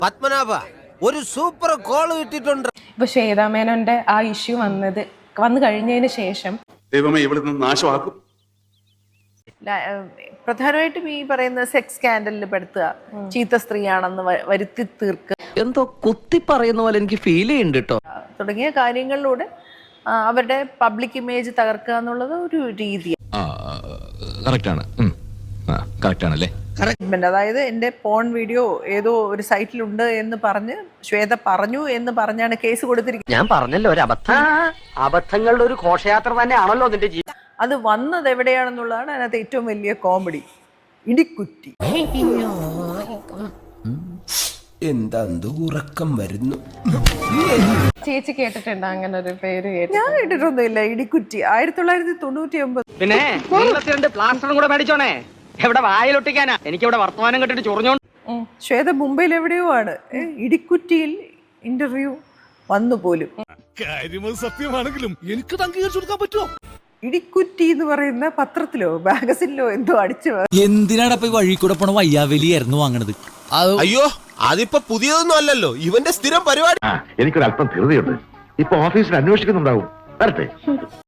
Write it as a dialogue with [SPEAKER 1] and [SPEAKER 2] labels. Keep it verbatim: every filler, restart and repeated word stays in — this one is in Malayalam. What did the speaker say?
[SPEAKER 1] പത്മനാഭ ഒരു സൂപ്പർ കോൾ കിട്ടിയിട്ടുണ്ട്.
[SPEAKER 2] ഇപ്പൊ ശ്വേതാ മേനോന്റെ ആ ഇഷ്യൂ വന്നത് വന്നു കഴിഞ്ഞതിന് ശേഷം
[SPEAKER 3] ദൈവമേ ഇവിടെ നിന്ന് നാശമാക്കും.
[SPEAKER 4] പ്രധാനമായിട്ടും ഈ പറയുന്ന സെക്സ് സ്കാൻഡലിൽ പെടുത്തുക, ചീത്ത സ്ത്രീയാണെന്ന് വരുത്തി തീർക്കുക,
[SPEAKER 5] എന്തോ കുത്തി പറയുന്ന പോലെ എനിക്ക് ഫീൽ ചെയ്യുന്നുണ്ട് കേട്ടോ,
[SPEAKER 4] തുടങ്ങിയ കാര്യങ്ങളിലൂടെ അവരുടെ പബ്ലിക് ഇമേജ് തകർക്കുക എന്നുള്ളത് ഒരു രീതിയാണ്. അതായത് എന്റെ പോൺ വീഡിയോ ഏതോ ഒരു സൈറ്റിലുണ്ട് എന്ന് പറഞ്ഞ് ശ്വേത പറഞ്ഞു എന്ന് പറഞ്ഞാണ് കേസ് കൊടുത്തിരിക്കുന്നത്.
[SPEAKER 5] ഞാൻ പറഞ്ഞല്ലോ ഒരു അബദ്ധം, അബദ്ധങ്ങളുടെ ഒരു ഘോഷയാത്ര തന്നെയാണല്ലോ നിന്റെ ജീവിതം.
[SPEAKER 4] അത് വന്നത് എവിടെയാണെന്നുള്ളതാണ് അതിനകത്ത് ഏറ്റവും വലിയ കോമഡി. ഇടിക്കുറ്റി.
[SPEAKER 1] എന്താ ഉറക്കം വരുന്നു.
[SPEAKER 2] ചേച്ചി കേട്ടിട്ടുണ്ടോ അങ്ങനെ ഒരു പേര്? കേട്ടു.
[SPEAKER 4] ഞാൻ കേട്ടിട്ടൊന്നുമില്ല. ഇടിക്കുറ്റി ആയിരത്തി തൊള്ളായിരത്തി തൊണ്ണൂറ്റി ഒമ്പത്.
[SPEAKER 5] പിന്നെ രണ്ട് പ്ലാസ്റ്ററും കൂടെ മേടിച്ചോണേ, എവിടെ വായിലൊട്ടിക്കാനാ? എനിക്ക് ഇവിടെ വർത്തമാനം കെട്ടിട്ട് ചൊറിഞ്ഞോണ്ട്.
[SPEAKER 4] ശ്വേത മുംബൈയിൽ എവിടെയോ ആണ്. ഇടിക്കുറ്റിയിൽ ഇന്റർവ്യൂ വന്നു പോലും.
[SPEAKER 6] സത്യമാണെങ്കിലും എനിക്ക് അംഗീകരിച്ചു കൊടുക്കാൻ പറ്റുമോ?
[SPEAKER 4] ഇടിക്കുറ്റി എന്ന് പറയുന്ന പത്രത്തിലോ മാഗസിനിലോ എന്തോ അടിച്ചു.
[SPEAKER 7] എന്തിനാണ് ഇപ്പൊ വഴി കൂടെ പോണ വയ്യാവലിയായിരുന്നു വാങ്ങണത്?
[SPEAKER 1] അയ്യോ അതിപ്പോ പുതിയതൊന്നും അല്ലല്ലോ, ഇവന്റെ സ്ഥിരം പരിപാടി.
[SPEAKER 8] എനിക്കൊരല്പം ധൃതിയുണ്ട്. ഇപ്പൊ ഓഫീസിൽ അന്വേഷിക്കുന്നുണ്ടാവും. വരട്ടെ.